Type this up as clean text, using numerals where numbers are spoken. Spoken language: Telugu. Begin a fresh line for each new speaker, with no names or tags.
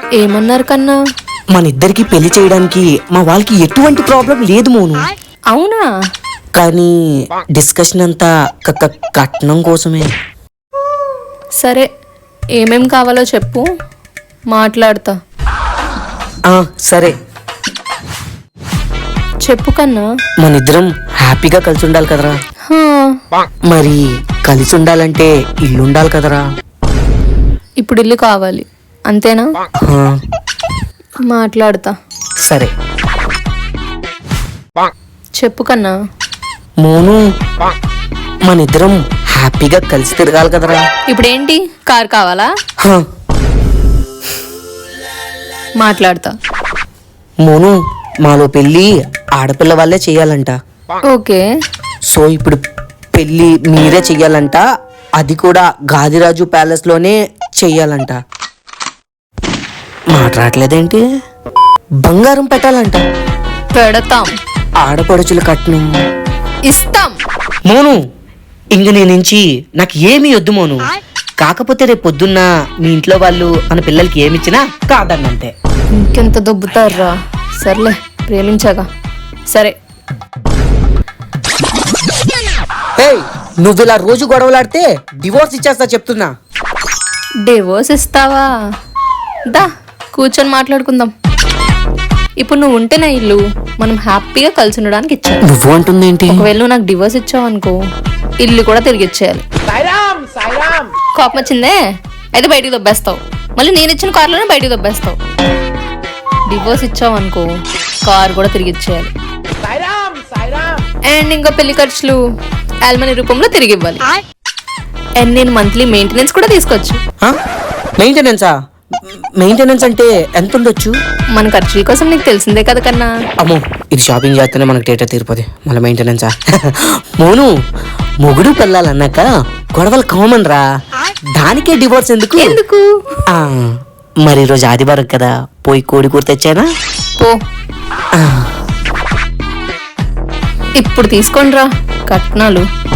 ఏమన్నారు కన్నా?
మన ఇద్దరికి పెళ్లి చేయడానికి మా వాళ్ళకి ఎటువంటి ప్రాబ్లం లేదు మోను.
అవునా?
కానీ డిస్కషన్ అంతా కట్నం కోసమే.
సరే, ఏమేం కావాలో చెప్పు, మాట్లాడతా.
సరే
చెప్పు కన్నా.
మన ఇద్దరం హ్యాపీగా కలిసి ఉండాలి కదరా. మరి కలిసి ఉండాలంటే ఇల్లు ఉండాలి కదరా.
ఇప్పుడు ఇల్లు కావాలి అంతేనా? మాట్లాడతా.
సరే
చెప్పు కన్నా.
మోను, మన ఇద్దరం హ్యాపీగా కలిసి తిరగాలి కదరా.
ఇప్పుడేంటి, కార్ కావాలా? మాట్లాడతా.
మోను, మాలో పెళ్ళి ఆడపిల్ల వాళ్ళే చెయ్యాలంట.
ఓకే.
సో ఇప్పుడు పెళ్ళి మీరే చెయ్యాలంట, అది కూడా గాదిరాజు ప్యాలెస్ లోనే చెయ్యాలంట. మాట్లాడలేదేంటి? బంగారం పెట్టాలంట.
పెడతాం.
ఆడపడుచుల కట్నం
ఇస్తాం.
మోను, ఇంక నీ నుంచి నాకు ఏమీ వద్దు మోను. కాకపోతే రేపు పొద్దున్న మీ ఇంట్లో వాళ్ళు మన పిల్లలకి ఏమిచ్చినా కాదన్నంతే.
ఇంకెంత దొబ్బుతారా? సర్లే, ప్రేమించాగా. సరే.
నువ్వు ఇలా రోజు గొడవలాడితే డివోర్స్ ఇచ్చేస్తా చెప్తున్నా.
డివోర్స్ ఇస్తావా? దా కూర్చొని మాట్లాడుకుందాం. ఇప్పుడు నువ్వు ఉంటేనే ఇల్లు మనం హ్యాపీగా కలిసి ఉండడానికి ఇచ్చాను.
నువ్వు అంటుందేంటి?
ఒకవేళ నువ్వు నాకు డివోర్స్ ఇచ్చావు అనుకో, ఇల్లు కూడా తిరిగి ఇచ్చేయాలి. కోపం వచ్చిందే అయితే బయటికి దొబ్బేస్తావు. మళ్ళీ నేను ఇచ్చిన కార్లోనే బయటికి దొబ్బేస్తావు. డివోర్స్ ఇచ్చావు అనుకో, కార్ కూడా తిరిగి ఇచ్చేయాలి. అండ్ ఇంకా పెళ్లి ఖర్చులు ఆల్మనీ రూపంలో తిరిగి ఇవ్వాలి. అండ్ నేను మంత్లీ మెయింటెనెన్స్ కూడా తీసుకోవచ్చు.
మెయింటెనెన్సా? మెయింటెనెన్స్ అంటే ఎంత ఉండొచ్చు?
మన ఖర్చుల కోసం నీకు తెలిసిందే కదా కన్నా.
అమ్మో, ఇది షాపింగ్ చేస్తేనే మనకు డేటా తీరిపోతే మళ్ళీ మెయింటెనెన్సా? మోను, మొగుడు పెళ్ళాలన్నాక గొడవలు కామన్ రా, దానికే డివోర్స్ ఎందుకు?
ఎందుకు?
మరి ఈరోజు ఆదివారం కదా, పోయి కోడి కూర తెచ్చానా?
పో. ఇప్పుడు తీసుకోండి రా కట్నాలు.